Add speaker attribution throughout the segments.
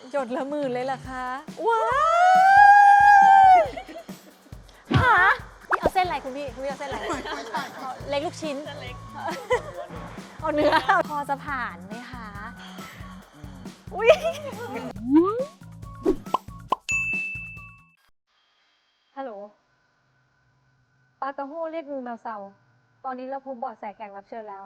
Speaker 1: หยดละหมื่นเลยล่ะคะว้าวหาพี่เอาเส้นอะไรคุณพี่เอาเส้นอะไรเล็กลูกชิ้นเอาเนื้อพอจะผ่านไหมคะอุ้ยฮัลโหลปากระโฮเรียกงูแมวเสาตอนนี้เราพบเบาะแสแขกรับเชิญแล้ว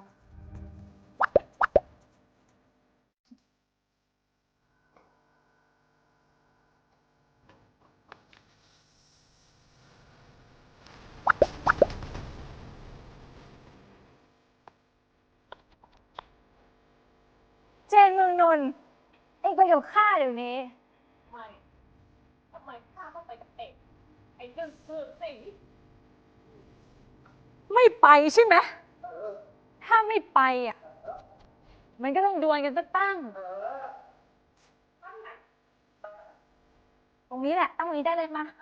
Speaker 1: เจนเมืองนนท์เองไปกับข้าเดี๋ยวนี้
Speaker 2: ไม่ทำไมข้าต้องไปกับเอกไอ้เรื่องเสื่อสิ
Speaker 1: ไม่ไปใช่ไหมถ้าไม่ไปอ่ะมันก็ต้องดวลกันสักตั้งตรงนี้แหละตั้งตรงนี้ได้เลยมา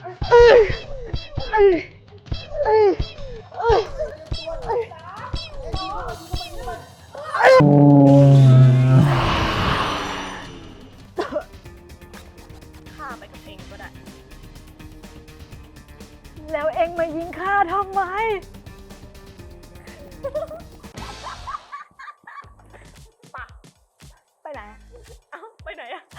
Speaker 2: ข้าไปกับเองก็ได้
Speaker 1: แล้วเอ็งมายิงข้าทำไม
Speaker 2: ปะ
Speaker 1: ไปไหน
Speaker 2: เอ้าไปไหนอะ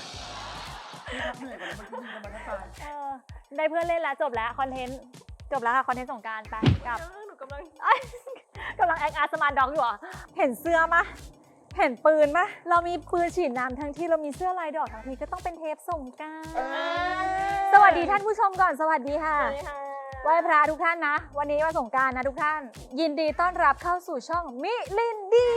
Speaker 1: ได้เพื่อนเล่นแล้วจบแล้วคอนเทนต์จบแล้วค่ะคอนเทนต์สงกรานต์ไปกลับ
Speaker 2: หนูกำลัง
Speaker 1: กำลังแอคอาร์ตสมาร์ทด็อกอยู่อ่ะเห็นเสื้อมะเห็นปืนมะเรามีปืนฉีดน้ำทั้งที่เรามีเสื้อลายดอกทั้งทีก็ต้องเป็นเทปสงกรานต์สวัสดีท่านผู้ชมก่อนสวัสดีค่ะไหว้พระทุกท่านนะ วันนี้วันสงกรานต์นะทุกท่าน ยินดีต้อนรับเข้าสู่ช่องมิลินดี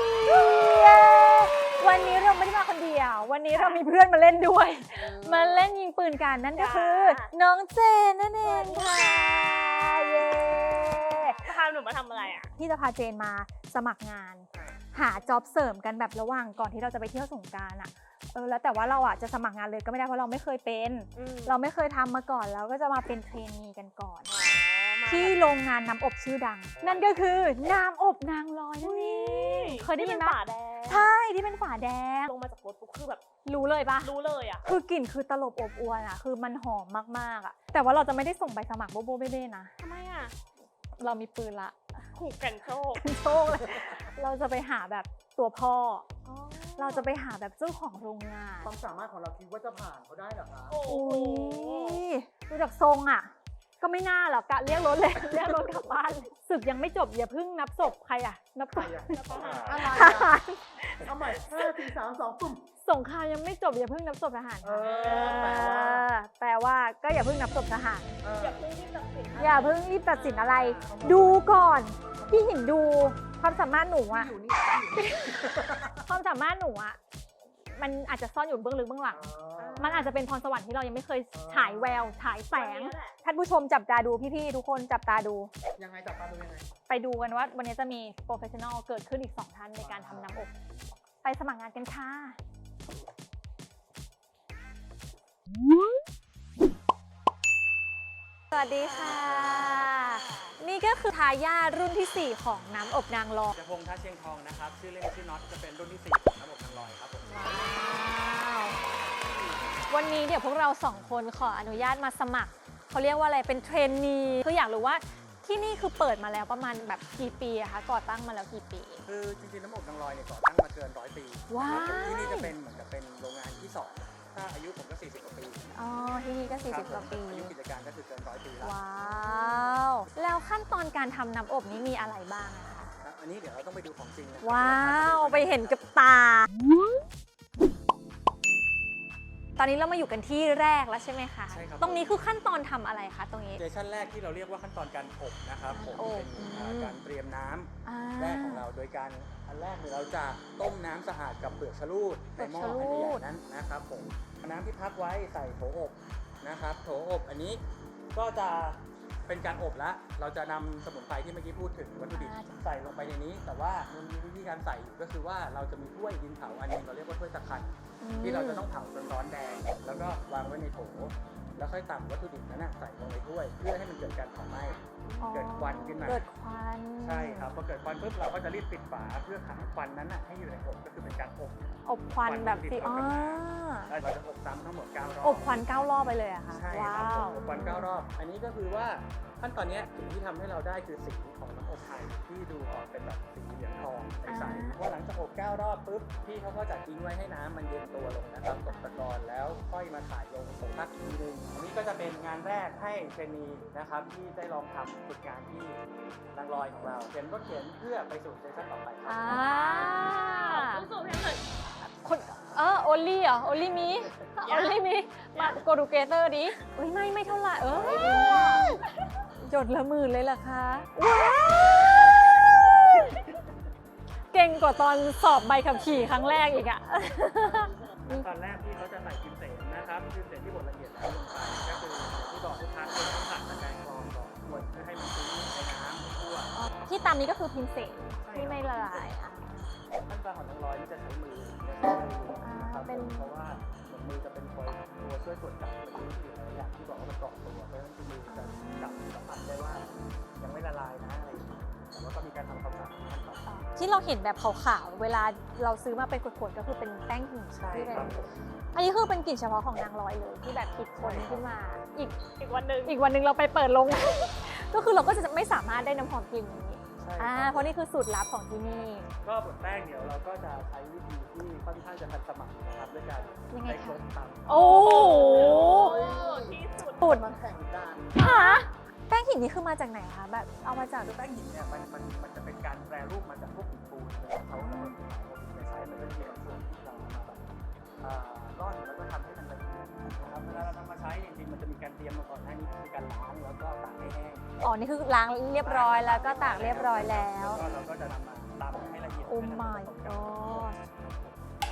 Speaker 1: วันนี้เราไม่ได้มาคนเดียว วันนี้เรามีเพื่อนมาเล่นด้วย มาเล่นยิงปืนกันนั่นก็คือน้องเจนนั่นเองค่ะเย้
Speaker 2: พาหนูมาทำอะไรอะ
Speaker 1: พี่จะพาเจนมาสมัครงาน หาจ็อบเสริมกันแบบระหว่างก่อนที่เราจะไปเที่ยวสงกรานต์อะแล้วแต่ว่าเราอะจะสมัครงานเลยก็ไม่ได้เพราะเราไม่เคยเป็น เราไม่เคยทำมาก่อนแล้วก็จะมาเป็นเทรนนีกันก่อน ที่โรงงานน้ำอบชื่อดัง นั่นก็คือน้ำอบนางลอยนั่นเองเคยได้ยินไหม
Speaker 2: ฝาแดง
Speaker 1: ใช่ที่เป็นฝาแดง
Speaker 2: ลงมาจากรถปุ๊บคือแบบ
Speaker 1: รู้เลยปะ
Speaker 2: รู้เลยอะ
Speaker 1: คือกลิ่นคือตลบอบอวนอะคือมันหอมมากๆอะแต่ว่าเราจะไม่ได้ส่งใบสมัครโบโบเบ้ๆนะ
Speaker 2: ทำไมอะ
Speaker 1: เรามีปืนละ
Speaker 2: ขู่กันโชค
Speaker 1: โชคเลยเราจะไปหาแบบตัวพ่อ เราจะไปหาแบบเจ้าของโรงงาน
Speaker 3: ความสามารถของเราคิดว่าจะผ่านเขาได้เหรอคะ
Speaker 2: โอ้โห
Speaker 1: ดูจากทรงอ่ะ ก็ไม่น่าหรอกกะเรียกรถเลย เรียกรถกลับบ้านเลยศึกยังไม่จบอย่าเพิ่งนับศพใครอ่ะ นับศ
Speaker 3: ใคร
Speaker 1: พ
Speaker 3: อะ
Speaker 2: ทหาร
Speaker 3: อะไร
Speaker 1: ท
Speaker 3: อะ
Speaker 1: หาร
Speaker 3: เอาใหม่5 4 3 2ปุ่ม
Speaker 1: สงครามยังไม่จบอย่าเพิ่งนับศพทหาร
Speaker 3: แปลว่า
Speaker 1: แปลว่าก็อย่าเพิ่งนับศพทหาร
Speaker 2: อย่าเพิ่งรีบตัดสิน
Speaker 1: อย่าเพิ่งรีบตัดสินอะไร ดูก่อนพี่หินดูความสามารถหนูอะ
Speaker 3: อยู่นี่
Speaker 1: ความสามารถหนูอะมันอาจจะซ่อนอยู่เบื้องลึกเบื้องหลัง มันอาจจะเป็นพรสวรรค์ที่เรายังไม่เคยฉายแววฉายแสง ท่านผู้ชมจับตาดูพี่ๆทุกคนจับตาดู
Speaker 3: ยังไงจับตาดูยังไง
Speaker 1: ไปดูกันว่าวันนี้จะมีโปรเฟชชั่นอลเกิดขึ้นอีก 2 ท่านในการทำน้ำอบ ไปสมัครงานกันค่ะ สวัสดีค่ะ นี่ก็คือทายาทรุ่นที่ 4 ของน้ำอบนางรอง
Speaker 4: จะพงษ์ท่าเชียงทองนะครับ ชื่อเล่นชื่อน็อตจะเป็นรุ่นที่ 4 ของระบบนางลอยครับผม
Speaker 1: ว้าว วันนี้เดี๋ยวพวกเรา 2 คนขออนุญาตมาสมัคร เขาเรียกว่าอะไรเป็นเทรนนีคืออยากรู้ว่าที่นี่คือเปิดมาแล้วประมาณแบบกี่ปีอะคะก่อตั้งมาแล้วกี่ปี
Speaker 4: คือจริงๆน้ำอบนางลอยเนี่ยก่อตั้งมาเกิน100 ปี
Speaker 1: ว้าว
Speaker 4: นะครับที่นี่จะเป็นเหมือนกับเป็นโรงงานที่ 2 ถ้าอายุผมก็ 40 กว่าปี
Speaker 1: อ๋อที่นี่ก็
Speaker 4: ครับ
Speaker 1: 40 กว่าปี
Speaker 4: อายุกิจการก็คือเกิน100 ปีแล้ว
Speaker 1: ว้าว แล้วขั้นตอนการทำน้ำอบนี้มีอะไรบ้างอะคะ
Speaker 4: ครับอันนี้เดี๋ยวเราต้องไปดูของจริงนะครับ
Speaker 1: ว้าวไปเห็นกับตา ตอนนี้เรามาอยู่กันที่แรกแล้วใช่ไหมคะ
Speaker 4: ใช่ครับ
Speaker 1: ตรงนี้คือขั้นตอนทำอะไรคะตรงนี้
Speaker 4: สเตชันแรกที่เราเรียกว่าขั้นตอนการอบนะครับผม
Speaker 1: อบ
Speaker 4: เป็นการเตรียมน้ำ
Speaker 1: อ่า
Speaker 4: แรกของเราโดยการอันแรกเนี่ยเราจะต้มน้ำสะอาดกับเปลือกชะลูดในหม้อ
Speaker 1: เปลือกชะลูด
Speaker 4: อันใหญ่ๆนั้นนะครับผมน้ำที่พักไว้ใส่โถอบนะครับโถอบอันนี้ก็จะเป็นการอบละเราจะนำสมุนไพรที่เมื่อกี้พูดถึงวัตถุดิบใส่ลงไปในนี้ แต่ว่ามันมีวิธีการใส่อยู่ก็คือว่าเราจะมีถ้วยดินเผาอันหนึงเราเรียกว่าถ้วยตะไคร้ที่เราจะต้องเผาจนร้อนแดงแล้วก็วางไว้ในโถแล้วค่อยตักวัตถุดิบนั้นใส่ลงในถ้วยเพื่อให้มันเกิดการเผาไหม้
Speaker 1: อ๋อ
Speaker 4: เกิดควันขึ้นมา
Speaker 1: เกิดควัน
Speaker 4: ใช่ครับพอเกิดควันปุ๊บเราก็จะรีบปิดฝาเพื่อขังควันนั้นให้อยู่ในอบก็คือเป็นการอบ
Speaker 1: อบควันแบบสิ
Speaker 4: ควัน
Speaker 1: อ๋อ
Speaker 4: แล้วเราจะอบซ้ำทั้งหมด9รอบ
Speaker 1: อบควัน9 รอบไปเลยอะค่ะ
Speaker 4: ใช่
Speaker 1: ว้า
Speaker 4: ครับ
Speaker 1: ว
Speaker 4: อบควัน9รอบ อันนี้ก็คือว่าขั้นตอนเนี้ยสิ่งที่ทำให้เราได้คือสีของน้ำอบไทยที่ดูออกเป็นแบบสีเหลืองทองใสๆพอหลังจากอบ9รอบปุ๊บพี่เขาก็จะทิ้งไว้ให้น้ำมันเย็นตัวลงนะครับตกตะกอนแล้วค่อยมาถ่ายลงผงพักทีนึงอันนี้ก็จะเป็นงานแรกให้เทรนนีนะครับที่ได้ลองทำฝึกงานที่นางลอยของเราเขียนก็เขียนเพื่อไปสู่เซสชั่นต่อไปครับ
Speaker 2: สู้ๆให้หน่อย
Speaker 1: คนโอลี่เหรอโอลี่มีโอลี่มีมาโกดูเกเตอร์ดิอุ้ยไม่เท่าไหร่หยดละหมื่นเลยเหรอคะว้าวเก่งกว่าตอนสอบใบขับขี่ครั้งแรกอีกอะ
Speaker 4: ตอนแรกที่เขาจะใส่พิมเสนนะครับพิมเสนที่บดละเอียดแล้วลงไปก็คือที่บอกทุกครั้งเราต้องผ่านตะแกรงกรองก่อนบดเพื่อให้มันชื้นในน้ำให้ทั่ว
Speaker 1: ที่ตามนี้ก็คือพิมพ์เสนที่ไม่ละลายอ่ะ
Speaker 4: ขั้นตอนของนางร้อยนี่จะใช้มือนะครับ
Speaker 1: เป็น
Speaker 4: เพราะว่าเหมือนมือจะเป็นตัวช่วยตรวจจับมันรู้อยู่หลายอย่างที่บอกว่ามันเกาะตัวเพราะฉะนั้นคือมือจะจับสัมผัสได้ว่ายังไม่ละลายนะอะไรอย่างเงี้ยแต่ว่าก็มีการทำความสะอาดขั้นตอน
Speaker 1: ที่เราเห็นแบบขาวๆเวลาเราซื้อมาเป็นขวดๆก็คือเป็นแป้งหิน
Speaker 4: ใช่
Speaker 1: ที่เป็น
Speaker 4: ครับ
Speaker 1: อันนี้คือเป็นกลิ่นเฉพาะของนางร้อยเลยที่แบบคิดค้นขึ้นมา
Speaker 2: อีกวันหนึ่ง
Speaker 1: อีกวันหนึ่งเราไปเปิดลง ก็คือเราก็จะไม่สามารถได้น้ำหอมกลิ่นนี้
Speaker 4: ใช่ครับ
Speaker 1: เพราะนี่คือสูตรลับของที่นี่
Speaker 4: ก็บดแป้งเดี๋ยวเราก็จะใช้วิธีที่ค่อนข้างจะทันสมัยนะครับด้วยการ
Speaker 1: ยังไง
Speaker 4: ใช้
Speaker 1: คะ
Speaker 4: โครกตำ
Speaker 1: โอ้โห
Speaker 2: ที่สุด
Speaker 1: สูตร
Speaker 3: มันแข่งกัน
Speaker 1: หาแป้งหินนี่คือมาจากไหนคะแบบเอามาจาก
Speaker 4: คือแป้งหินเนี่ยมันจะเป็นการแปรรูปมาจากพวกหินปูนนะครับเขาจะใช้มันก็จะมีบางส่วนที่เราเอามาแบบร่อนแล้วก็ทำให้มันละเอียดนะครับเวลาเรานำมาใช้จริงๆมันจะมีการเตรียมมาก่อนหน้านี้คือการล้างแล้วก็ตากให้แห้ง
Speaker 1: อ๋อนี่คือล้างเรียบร้อยแล้วก็ตากเรียบร้อยแล้ว
Speaker 4: ก็เราก็จะนำมาตำให้ละเอียด
Speaker 1: โอ้
Speaker 4: ให้มัน
Speaker 1: my
Speaker 4: ผสมกัน
Speaker 1: god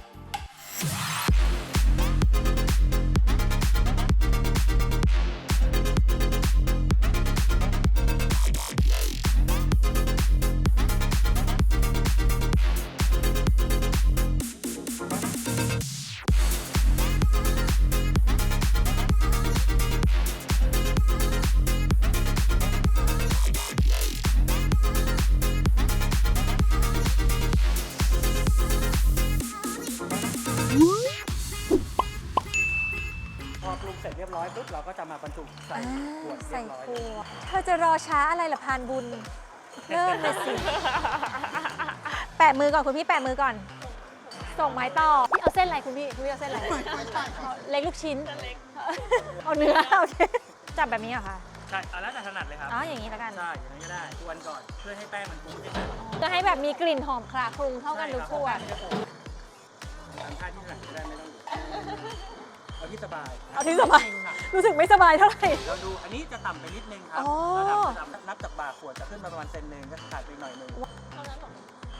Speaker 4: พอปรุงเสร็จเรียบร้อยปุ๊บเราก็จะมาบรรจุใส่ขวดเรี
Speaker 1: ใส่
Speaker 4: ยบร้อย
Speaker 1: ขวดเธอจะรอช้าอะไรล่ะพานบุญ เริ่มเลยสิ แปะมือก่อนคุณพี่แปะมือก่อน ส่งไม้ต่อ พี่เอาเส้นอะไรคุณพี่เอาเส้นอะไร เล็กลูกชิ้น
Speaker 2: เล็ก
Speaker 1: เอาเนื้อโอเค จับแบบนี้เหรอคะ
Speaker 4: ใช่เอาแล้วแต่ถนัดเลยครับ
Speaker 1: อ๋ออย่างนี้แล้วกัน
Speaker 4: ใช่อย่างนั้นก็ได้กวนก่อนเพื่อให้แป้งมันฟูขึ้นมา
Speaker 1: จะให้แบบมีกลิ่นหอมคลาคลุ้งเท่ากันทุกขวด
Speaker 4: ทำท่าที่ถนัดก็ได้ไม่ต้องเอาที่สบาย
Speaker 1: เอาที่สบาย รู้สึกไม่สบายเท่าไหร่
Speaker 4: เราดูอันนี้จะต่ำไปนิดนึงครับ
Speaker 1: อ๋อ
Speaker 4: ระดับนับจากบ่าขวดจะขึ้นมาประมาณเซนหนึ่งก็ขาดไปหน่อยหนึง
Speaker 2: เท่านั้นหรอ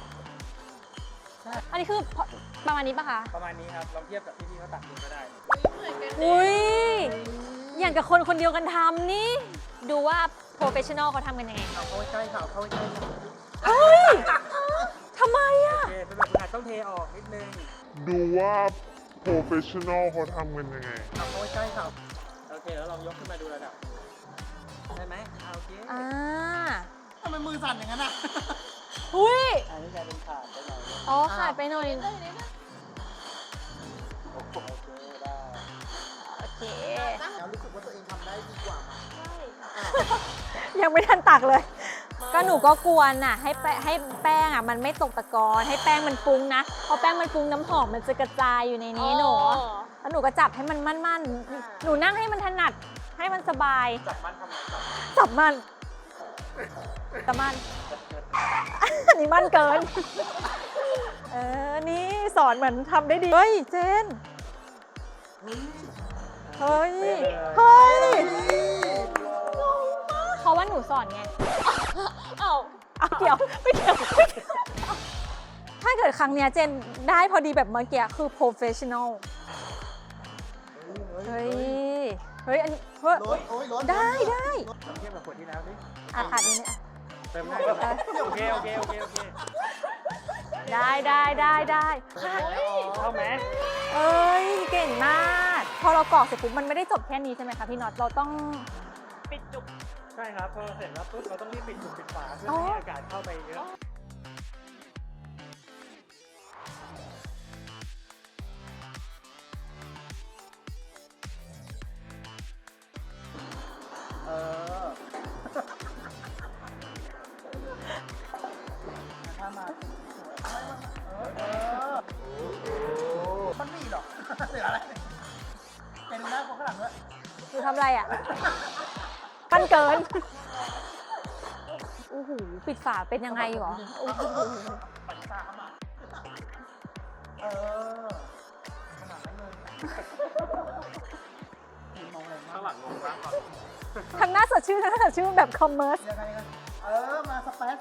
Speaker 1: อันนี้คือประมาณนี้ปะคะ
Speaker 4: ประมาณนี้ครับลองเทียบกับที่พี่เขาตักดูก็ได้
Speaker 2: เหมือนกัน
Speaker 1: อุ้ย อย่างกับคนคนเดียวกันทำนี่ ดูว่า professional เขาทำกันยังไง
Speaker 3: เอาเข้าใกล้ค่ะเอาเข้าใกล้ค่ะ
Speaker 1: เฮ้ยทำไมอะ
Speaker 4: โอเคเป็นแบบคุณอาจต้องเทออกนิดนึง
Speaker 5: ดูว่า professional เขาทำกันยังไง
Speaker 3: เอาเข้าใกล้ค่ะ
Speaker 4: โอเคแล้วลองยกขึ้นมาดูระดับได้ไหมโอเค
Speaker 1: อ่า
Speaker 3: ทำไมมือสั่นอย่างนั้นอ่ะ
Speaker 1: อุ้ย
Speaker 4: อันนี้กลายเป็นขาดไปหน่อยนึง
Speaker 1: อ๋อ ขาดไปหน่อย
Speaker 2: เลยนี่นะ
Speaker 4: โอเคได้
Speaker 1: โอเค
Speaker 3: แล้วรู้สึกว่าตัวเองทำได้ดีกว่าไหม
Speaker 2: ใช่
Speaker 1: ยังไม่ทันตักเลย ก็หนูก็กวนน่ะ ให้แป้งอ่ะ มันไม่ตกตะกอน ให้แป้งมันฟุ้งนะ พอแป้งมันฟุ้งน้ำหอมมันจะกระจายอยู่ในนี้หนู แล้วหนูก็จับให้มันมั่นๆ หนูนั่งให้มันถนัด ให้มันสบาย
Speaker 4: จับมันทำไมจับ
Speaker 1: จับมันจับมัน อันนี้มั่นเกิน นี่สอนเหมือนทำได้ดี เฮ้ย เจน เฮ้ย เฮ้ย เพราะว่าหนูสอนไง
Speaker 2: เอ้า
Speaker 1: เอาเกี่ยว ไม่เกี่ยวไม่เกี่ยวถ้าเกิดครั้งเนี้ยเจนได้พอดีแบบเมื่อกี้คือ professional เฮ้ย เฮ้ย อันนี้เฮ้ย
Speaker 3: รถโอ้ยรถ
Speaker 1: ได้ได้
Speaker 4: ลองเทียบกับขวดที่แล้วดิ
Speaker 1: ขาดนิดนึงอ่ะ
Speaker 4: เติมได้ครับโอเค
Speaker 1: ได้
Speaker 4: เข้าไหม
Speaker 1: เอ้ย เก่งมากพอเรากรอกเสร็จปุ๊บมันไม่ได้จบแค่นี้ใช่ไหมคะพี่น็อตเราต้อง
Speaker 2: ปิดจุก
Speaker 4: ใช่ครับพอเสร็จแล้วปุ๊บเราต้องรีบปิดจุกปิดฝาเพื่อ
Speaker 1: อ๋อ
Speaker 4: ไม่ให้อากาศเข้าไปเยอะ
Speaker 3: เออถ้ามามันมีหรอกเสืออะไรเป็นหน้าคนข้างหลังด้วย
Speaker 1: คือทำอะไรอ่ะ ปั้นเกินโอ้โหปิดฝาเป็นยังไงหรอโอ้โห
Speaker 3: ปัญชามาเออขนาดนั้นเลยมองอะไรมาก
Speaker 4: ข้างหลังงงมากก่อน
Speaker 1: ทั้งหน้าสดชื่นทั้งหน้าสดชื่นแบบคอมเมอร์ส
Speaker 3: ยังไงกันมาสเปซ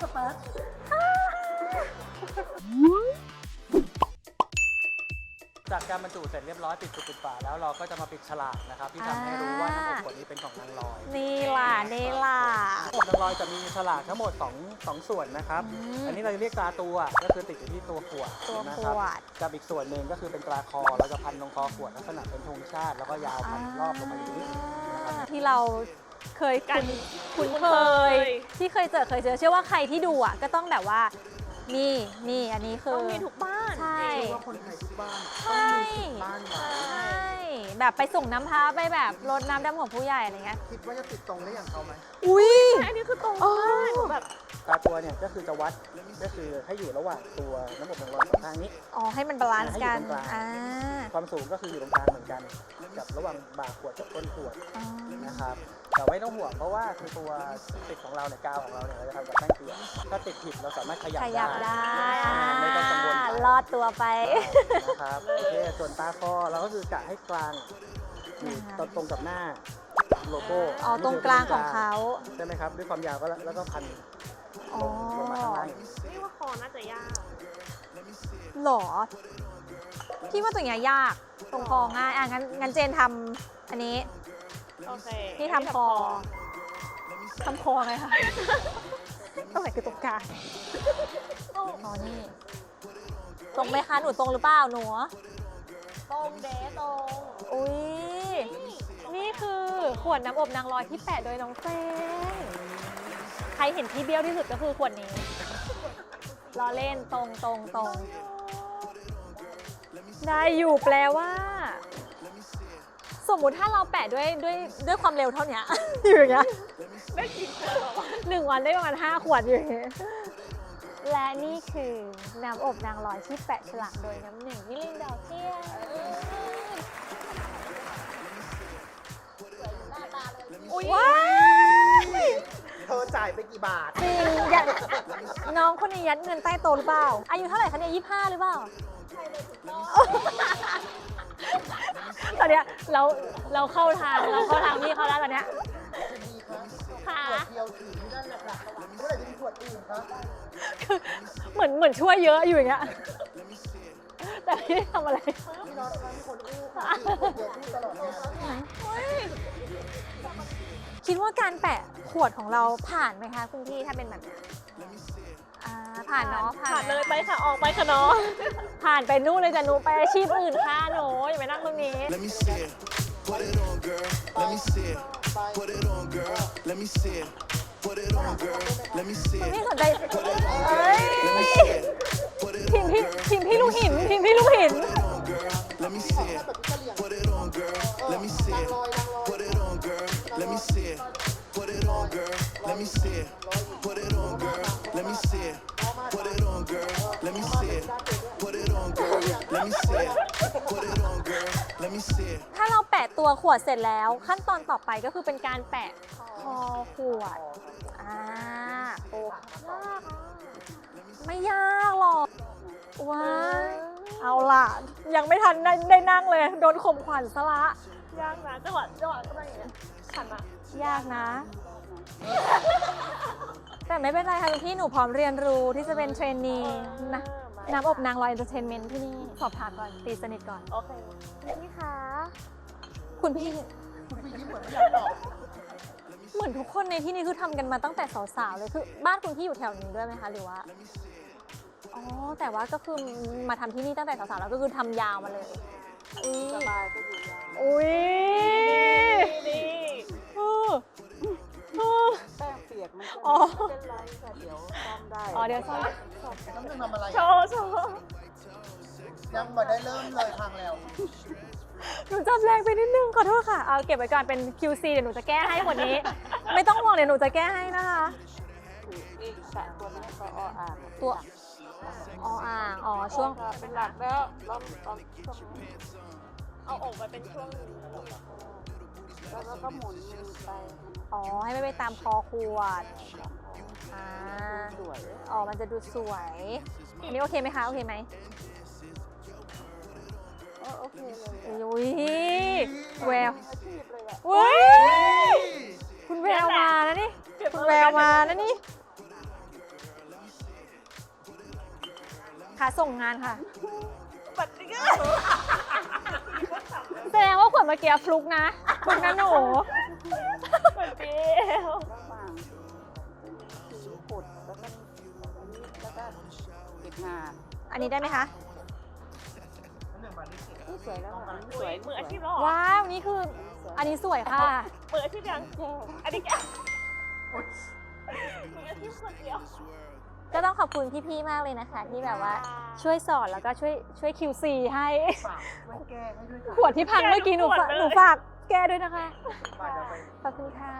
Speaker 4: จากการบรรจุเสร็จเรียบร้อยปิดจุกปิดฝาแล้วเราก็จะมาปิดฉลากนะครับที่ทำให้รู้ว่าน้ำอบขวดนี้เป็นของนางลอย
Speaker 1: นี่ล่ะนี่ล่ะ
Speaker 4: น้ำอบนางลอยจะมีฉลากทั้งหมด2ส่วนนะครับ อันนี้เราเรียกตราตัวก็คือติดอยู่ที่ตัวขวด
Speaker 1: ตัว
Speaker 4: นะ
Speaker 1: ข
Speaker 4: ครับ
Speaker 1: วด
Speaker 4: กับอีกส่วนหนึ่งก็คือเป็นตราคอเราจะพันตรงคอขวดลักษณะเป็นธงชาติ แล้วก็ยาวพันรอบลงมาอย่างนี้นะครับ
Speaker 1: ที่เราเคยคุ้นเคย ที่เคยเจอเชื่อว่าใครที่ดูอ่ะก็ต้องแบบว่านี่อันนี้คือ
Speaker 2: ต้องมีทุกบ้าน
Speaker 1: ใช่
Speaker 3: คือว่าคนไทยทุกบ้าน
Speaker 1: ใช่
Speaker 3: ต้องมีสิทธิ์บ้านไว้
Speaker 1: ใช่แบบไปส่งน้ำพระไปแบบรดน้ำดำของผู้ใหญ่อะไรเงี้ย
Speaker 3: คิดว่าจะติดตรงได้อย่างเขาไหม
Speaker 1: อุ้ย
Speaker 2: อันนี้คือตรง
Speaker 1: อ๋อ
Speaker 2: มากหนูแบบ
Speaker 4: ตราตัวเนี่ยก็คือจะวัดก็คือให้อยู่ระหว่างตัวน้ำอบนางลอยสองข้างนี้
Speaker 1: อ๋อให้มันบาลานซ์กัน
Speaker 4: ให้อยู่ตรงกลาง
Speaker 1: อ่า
Speaker 4: ความสูงก็คืออยู่ตรงกลางเหมือนกันกับระหว่างบ่าขวดกับก้นขวด
Speaker 1: อ๋อ
Speaker 4: นะครับแต่ไม่ต้องห่วงเพราะว่าคือตัวติดของเราเนี่ยกาวของเราเนี่ยเราจะทำจากแป้งเปียกถ้าติดผิดเราสามารถขยับ
Speaker 1: ขยับได้
Speaker 4: ไม่ต้องกังวลไป
Speaker 1: รอดตัวไป
Speaker 4: นะครับโอเคส่วนตาคอเราก็คือกะให้กลางอยู่ตรงกับหน้าโลโก้
Speaker 1: อ๋อตรงกลางของเขา
Speaker 4: ใช่ไหมครับด้วยความยาวก็แล้วก็พัน
Speaker 1: อ๋อ
Speaker 4: ลงมาข้างล่างอย่างนี้
Speaker 2: นี่ว่าคอน่าจะยาก
Speaker 1: หรอพี่ว่าตัวเนี้ยยากตรงคอง่ายอ่ะงั้นเจนทำอันนี้
Speaker 2: โอเค
Speaker 1: ที่ทำคอทำคอไงคะตรงไหนคือตรงกลางอ๋อนี่ตรงไหมคะหนูตรงหรือเปล่าหนู
Speaker 2: ตรงเดตรง
Speaker 1: อุ้ยนี่คือขวดน้ำอบนางลอยที่แปะโดยน้องเจนใครเห็นที่เบี้ยวที่สุดก็คือขวดนี้ล้อเล่นตรงได้อยู่แปลว่า สมมุติถ้าเราแปะด้วยความเร็วเท่านี้ อยู่อย่างเงี้ย
Speaker 2: ได้กินคนแบบว่า
Speaker 1: 1 วันได้ประมาณ5 ขวดอยู่อย่างเงี้ยและนี่คือน้ำอบนางลอยที่แปะฉลากโดยน้ำหนึ่งมิลินดาวเทียนอุ้ยว้าย
Speaker 3: เธอจ่ายไปกี่บาท
Speaker 1: จริงอยากน้องคนนี้ยัดเงินใต้โต๊ะหรือเปล่า อายุเท่าไหร่คะเนี่ย25 หรือเปล่า ตอนเนี้ยเราเข้าทางพี่เขาแล้วตอนเนี้ย
Speaker 3: ดีครับ
Speaker 1: ค่ะ
Speaker 3: ขวดเดียวถือไม่ได้แหละค่ะเมื่อไหร่จะมีขวดอื่นครับ
Speaker 1: คือเหมือนช่วยเยอะอยู่อย่างเงี้ยแต่ไม่ได้ทำอะไร
Speaker 3: พี่น็อตครับมีคนอู้ค่ะขวดเดียวอู้ตลอดงาน
Speaker 1: คิดว่าการแปะขวดของเราผ่านไหมคะคุณพี่ถ้าเป็นแบบเนี้ยผ่านเนาะ
Speaker 2: ผ่าน
Speaker 1: ไหม
Speaker 2: เลยไปค่ะออกไปค่ะเนาะ
Speaker 1: ผ่านไปนู่นเลยจ้ะหนูไปอาชีพอื่นค่ะหนูอย่าไปนั่งตรงนี้
Speaker 6: Let me see it. Put it on, girl. Let me see it. Put it on, girl. Let me see it. Put it on, girl. Let me see
Speaker 1: คุณ
Speaker 6: it.
Speaker 1: พี่สนใจเอ้ย
Speaker 6: Let me see it. Put it
Speaker 1: ทีม
Speaker 6: on,
Speaker 1: พี่
Speaker 6: girl.
Speaker 1: ทีมพี่ลูกหินทีมพี่ลูกหิน
Speaker 6: Put it on, girl. Let me see it. Put it on, girl. Let me see it. Put it on, girl. Let me see it. Put it on, girl. Let me see it. Put it on, girl. Let me see it. Put it on, girl. Let me see it. Put it on, girl. Let me see it. Put it on, girl. Let me see it.
Speaker 1: ถ้าเราแปะตัวขวดเสร็จแล้ว ขั้นตอนต่อไปก็คือเป็นการแปะคอขวดโอ้ไม่ยากหรอกว้าเอาล่ะ ยังไม่ทันได้นั่งเลย โดนข่มขวัญซะละ
Speaker 2: ยากนะจังหวะก็ได้อย่างเงี้ยขันอะ
Speaker 1: ยากนะ แต่ไม่เป็นไรค่ะคุณพี่หนูพร้อมเรียนรู้ที่จะเป็นเทรนนีนะน้ำอบนางลอยเอนเตอร์เทนเมนต์ที่นี่สอบถามก่อนตีสนิทก่อน
Speaker 2: โอเค
Speaker 1: คุณพี่คะคุณพี่
Speaker 3: คุณพี่ยิ้มเหมือนไม่อยากตอบ
Speaker 1: เหมือนทุกคนในที่นี้คือทำกันมาตั้งแต่สาวๆเลยคือบ้านคุณพี่อยู่แถวนี้ด้วยไหมคะหรือว่าอ๋อแต่ว่าก็คือมาทำที่นี่ตั้งแต่สาวๆแล้วก็คือทำยาวมาเลยสบายก็อยู่ยาวอุ้ย
Speaker 2: นี่
Speaker 3: แป้งเปียกมันก็
Speaker 1: อ๋อ
Speaker 3: ไม่เป็นไรค่ะเดี๋ยวซ่อมได้
Speaker 1: อ๋อเดี๋ยวซ่อม
Speaker 3: น้ำหนึ่งทำอะไร
Speaker 2: โชว์โชว์
Speaker 3: ยังไม่ได้เริ่มเลยพังแล้ว
Speaker 1: หนูจับแรงไปนิดนึงขอโทษค่ะ เอาเก็บไว้ก่อนเป็น QC เดี๋ยวหนูจะแก้ให้หมดนี้ ไม่ต้องห่วงเดี๋ยวหนูจะแก้ให้นะคะ
Speaker 3: อีกสามตัวนี้ก็ออ่าง
Speaker 1: ตัวอ๋ออ่างอ๋อช่วง
Speaker 3: เป็นหลักแล้วลองช่วงนี้
Speaker 2: เอาอกไปเป็นช่วงหนึง
Speaker 3: แล้วก็หมุนมือไป
Speaker 1: อ๋อให้ไม่ไปตามคอขวดอ่า
Speaker 3: สวย
Speaker 1: อ๋อมันจะดูสวยอันนี้โอเคไหมคะโอเคไหม
Speaker 3: โอเคเลย
Speaker 1: อุ้ยแวว
Speaker 3: อาชีพเลยอะ
Speaker 1: อุ้ยคุณแววมานะนี่คุณแววมานะนี่ค่ะส่งงานค่ะ
Speaker 2: ปัดจิ๊ก
Speaker 1: แสดงว่าขวดเมื่อกี้ฟลุกนะฟลุกนะหนู
Speaker 2: เหมือนเปียว
Speaker 3: ระหว่างสีขุดแล้วก็อันนี้แล้วก็เก็บงาน
Speaker 1: อันนี้ได้ไหมคะ
Speaker 3: นี่สวยแล้วค่ะ
Speaker 2: สวยมืออาชีพแล้วเหรอ
Speaker 1: ว้าวนี่คืออันนี้สวยค่ะ
Speaker 2: มืออาชีพยังอันนี้แกมืออาชีพคนเดียว
Speaker 1: ก็ต้องขอบคุณพี่ๆมากเลยนะคะ ที่แบบว่าช่วยสอนแล้วก็ช่วย QC ให้
Speaker 3: ฝากไว้แก้ให้ด้วย
Speaker 1: ขวดที่พังเมื่อกี้หนูฝากแก้ด้วยนะคะ ขอบคุณค่ะ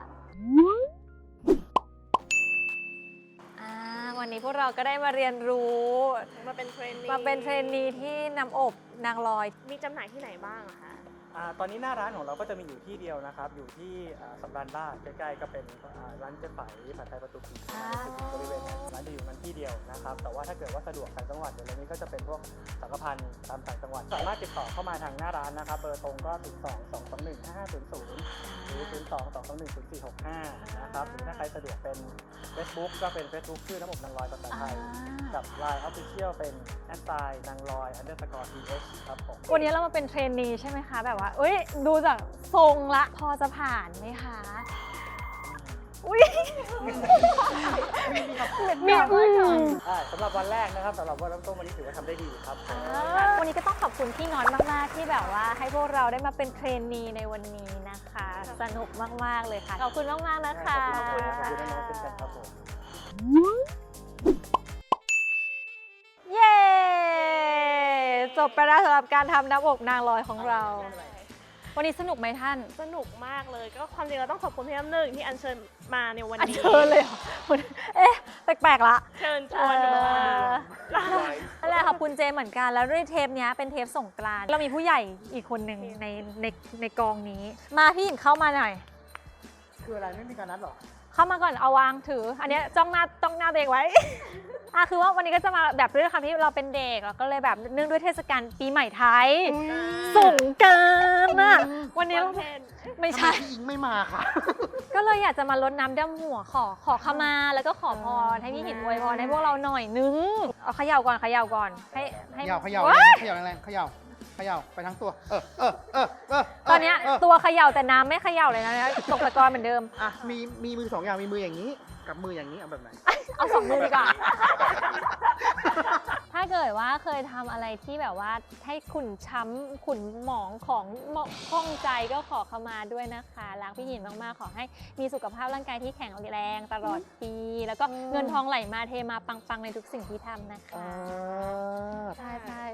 Speaker 1: วันนี้พวกเราก็ได้มาเรียนรู้
Speaker 2: มาเป็นเทรนนี
Speaker 1: มาเป็นเทรนนีที่น้ำอบนางลอย
Speaker 2: มีจำหน่ายที่ไหนบ้างอะคะ
Speaker 4: ตอนนี้หน้าร้านของเราก็จะมีอยู่ที่เดียวนะครับ อยู่ที่สำราญราษฎร์ใกล้ๆก็เป็นร้านเจ๊ไฝผัดไทยประตูผี
Speaker 1: อ่า
Speaker 4: บริเวณนั้นร้านจะอยู่นั้นที่เดียวนะครับ แต่ว่าถ้าเกิดว่าสะดวกต่างจังหวัดเดี๋ยวนี้ก็จะเป็นพวกสังฆพันธ์ตามต่างจังหวัด สามารถติดต่อเข้ามาทางหน้าร้านนะครับ เบอร์ตรงก็02-221-5500 หรือ 02-221-0465 นะครับหรือถ้าใครสะดวกเป็น Facebook ก็เป็น Facebook ชื่อน้ำอบนางลอยภาษาไทย กับ Line Official เป็นนางลอย_th ครับผม
Speaker 1: วันนี้เรามาเป็นเทรนนีใช่ไหมคะ แบบว่าเอ้ยดูจากทรงละพอจะผ่านไหมคะ อุ้ยมี
Speaker 4: สำหรับวันแรกนะครับสำหรับวันเริ่มต้นวันนี้ถือว่าทำได้ดีครับ
Speaker 1: วันนี้ก็ต้องขอบคุณพี่น้อยมากๆที่แบบว่าให้พวกเราได้มาเป็นเทรนนีในวันนี้นะคะ สนุกมากๆเลยค่ะ ขอบคุณมากๆนะคะ
Speaker 4: ขอบคุณน้องๆเช่นกันครับผม
Speaker 1: เย้ จบไปแล้วสำหรับการทำน้ำอบนางลอยของเรา วันนี้สนุกไหมท่าน
Speaker 2: สนุกมากเลย ก็ความจริงเราต้องขอบคุณพี่น้ำหนึ่งที่อัญเชิญมาในวัน
Speaker 1: อัน
Speaker 2: นี้
Speaker 1: เชิญเลยเหรอเอ๊ะ แปลกๆละ
Speaker 2: เชิญชวนหนูมา
Speaker 1: นั่นแหละขอบคุณเจเหมือนกัน แล้วด้วยเทปเนี้ยเป็นเทปสงกรานต์เรามีผู้ใหญ่อีกคนหนึ่งในกองนี้ มาพี่หญิงเข้ามาหน่อย
Speaker 4: คืออะไรไม่มีการนัดหรอ
Speaker 1: เข้ามาก่อนเอาวางถือ อันเนี้ยจ้องหน้าตัวเองไว้ คือว่าวันนี้ก็จะมาแบบด้วยความที่เราเป็นเด็กเราก็เลยแบบเนื่องด้วยเทศกาลปีใหม่ไทยสงกรานต์อะวันนี้เราไม่ใช่
Speaker 3: พี่อิงไม่มาค่ะ
Speaker 1: ก็เลยอยากจะมารดน้ำดำหัวขอขมาแล้วก็ขอพรให้พี่หินอวยพรให้พวกเราหน่อยนึงเอาเขย่าก่อนให้
Speaker 3: เขย่า
Speaker 1: ว้าย
Speaker 3: เขย่าแรงเขย่าไปทั้งตัว
Speaker 1: ตอนเนี้ยตัวเขย่าแต่น้ำไม่เขย่าเลยนะตกตะกอนเหมือนเดิม
Speaker 3: อ่ะมีมือสองอย่างมีมืออย่างนี้ กับมืออย่างนี้เอาแบบไหน
Speaker 1: เอาสองมือดีกว่า ถ้าเกิดว่าเคยทำอะไรที่แบบว่าให้ขุ่นช้ำขุ่นหมองของข้องใจก็ขอขมาด้วยนะคะรักพี่หยินมากๆขอให้มีสุขภาพร่างกายที่แข็งแรงตลอดปี แล้วก็เงินทองไหลมาเทมาปังๆในทุกสิ่งที่ทำนะคะใช่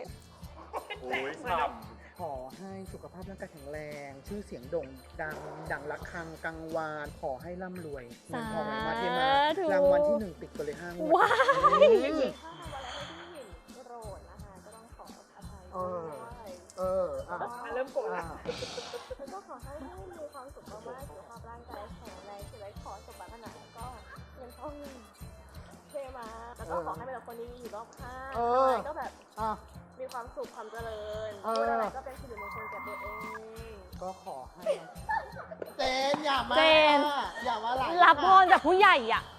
Speaker 3: ขอให้สุขภาพร่างกายแข็งแรง ชื่อเสียงโด่งดังระฆังกังวาน ขอให้ร่ำรวยเงินทองไหลมาเทมารางวัลที่1ติดกันเลย5 งวด
Speaker 1: ว้าย
Speaker 2: ถ้าทำอะไรให้พี่หญิงโกรธนะคะก็ต้องขออภัยด้วย
Speaker 3: เริ่มโกรธละ
Speaker 2: แล้วก็ขอให้มีความสุขมากๆสุขภาพร่างกายแข็งแรงชีวิตขอสมบัติขนาดก็เงินทองเทมาแล้วก็ขอให้เป็นคนดีอยู่รอบข้างอะไรก็แบบมีความสุขความเจริญพูดอะไรก็เป็นสิริมงคลแก่ตัวเอง
Speaker 3: ก็ขอให้เจนอย่ามา
Speaker 1: เจน
Speaker 3: อย่ามาหลาย
Speaker 1: รับพรจากผู้ใหญ่อ่ะ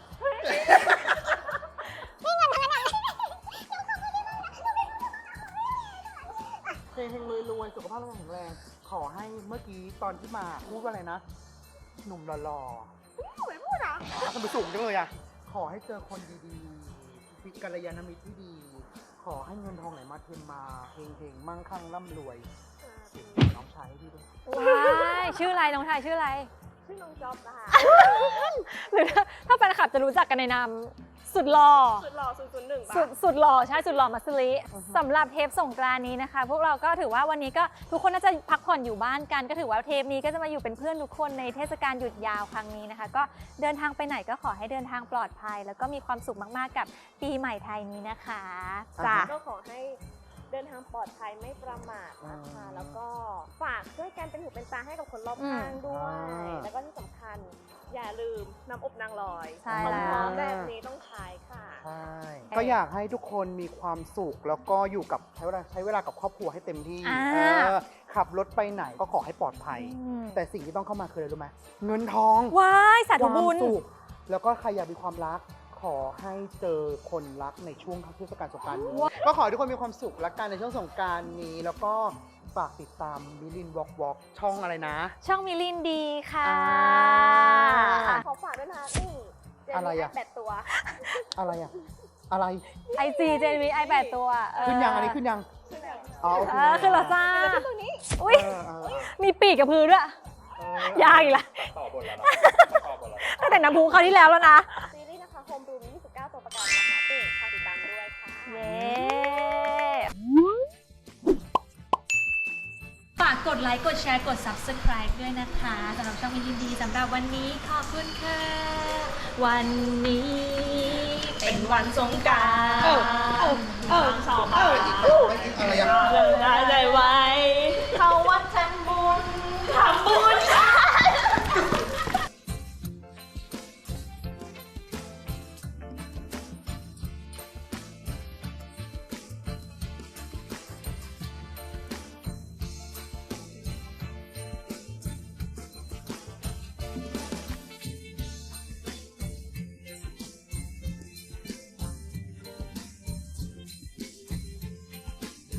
Speaker 3: เฮงๆรวยๆสุขภาพร่างกายแข็งแรง ขอให้เมื่อกี้ตอนที่มาพูดว่าอะไรนะ หนุ่มหล่อๆไม่พูดอ่ะทำไมสูงจังเลยอ่ะ ขอให้เจอคนดีๆมีกัลยาณมิตรที่ดี ขอให้เงินทองไหลมาเทมาเฮงๆมั่งคั่งร่ำรวยน้องชายให้พี่ด้วย
Speaker 1: ว้ายชื่ออะไรน้องชายชื่ออะไร
Speaker 2: ชื่อน้องจ๊อบนะคะ
Speaker 1: หรือถ้าแฟนคลับจะรู้จักกันในนามสุดหล่อ
Speaker 2: สุดหล่อ001ป่ะ
Speaker 1: สุดหล่อใช่สุดหล่อมัสลิสำหรับเทปสงกรานต์นี้นะคะ พวกเราก็ถือว่าวันนี้ก็ทุกคนน่าจะพักผ่อนอยู่บ้านกัน ก็ถือว่าเทปนี้ก็จะมาอยู่เป็นเพื่อนทุกคนในเทศกาลหยุดยาวครั้งนี้นะคะ ก็เดินทางไปไหนก็ขอให้เดินทางปลอดภัย แล้วก็มีความสุขมากๆกับปีใหม่ไทยนี้นะคะจ้ะ
Speaker 2: ก็ขอให้เดินทางปลอดภัยไม่ประมาทนะคะ แล้วก็ฝากช่วยกันเป็นหูเป็นตาให้กับคนรอบข้างด้วย แล้วก็ที่สำคัญอย่าลืมน้ำอบนางลอย
Speaker 1: ใช่
Speaker 2: ของ
Speaker 1: แล้ว
Speaker 2: พร้อมแบบนี้ต้องใช้ค่ะ
Speaker 3: ใช่ ก็อยากให้ทุกคนมีความสุขแล้วก็อยู่กับใช้เวลากับครอบครัวให้เต็มที่
Speaker 1: อ่า
Speaker 3: ขับรถไปไหนก็ขอให้ปลอดภัย
Speaker 1: อืม
Speaker 3: แต่สิ่งที่ต้องเข้ามาคืออะไรรู้ไหมเงินทอง
Speaker 1: ว้ายสาธุ
Speaker 3: ความ
Speaker 1: บุญ
Speaker 3: สุขแล้วก็ใครอยากมีความรัก ขอให้เจอคนรักในช่วงเทศกาลสงกรานต์นี้ ก็ขอให้ทุกคนมีความสุขและกันในช่วงสงกรานต์นี้ แล้วก็ฝากติดตามมิลินวอล์กวอล์กช่องอะไรนะ
Speaker 1: ช่องมิลินดีค่ะ
Speaker 2: ขอฝากด้วยนะนี่เจน
Speaker 3: อะไร
Speaker 2: นี่
Speaker 3: อะ
Speaker 2: แบตตัว
Speaker 3: อะไรอะอะไร
Speaker 1: IG เจนวีไอ8ตัว
Speaker 3: ขึ้นยังอันนี้ขึ้นยังอ๋อโอเค
Speaker 1: ขึ้นแล้วจ้า
Speaker 2: ตรงนี้
Speaker 1: อุ้ย มีปีกกับพือด้วย ยากอีกละ
Speaker 4: ต่อบทแล้วเนาะต่อบทแล้ว
Speaker 1: ตั้งแต่น้ำพุคราวที่แล้วแล้วนะ
Speaker 2: ซีรีส์นะคะโฮมรูม29 ตัวประกันนะคะติ่งฝากติดตามด้วยค่ะ
Speaker 1: เย้ ฝากกดไลค์ กดแชร์ กด Subscribe ด้วยนะคะสำหรับช่องมิลินดีสำหรับวันนี้ขอบคุณค่ะ วันนี้เป็นวันสงกรานต์
Speaker 2: 2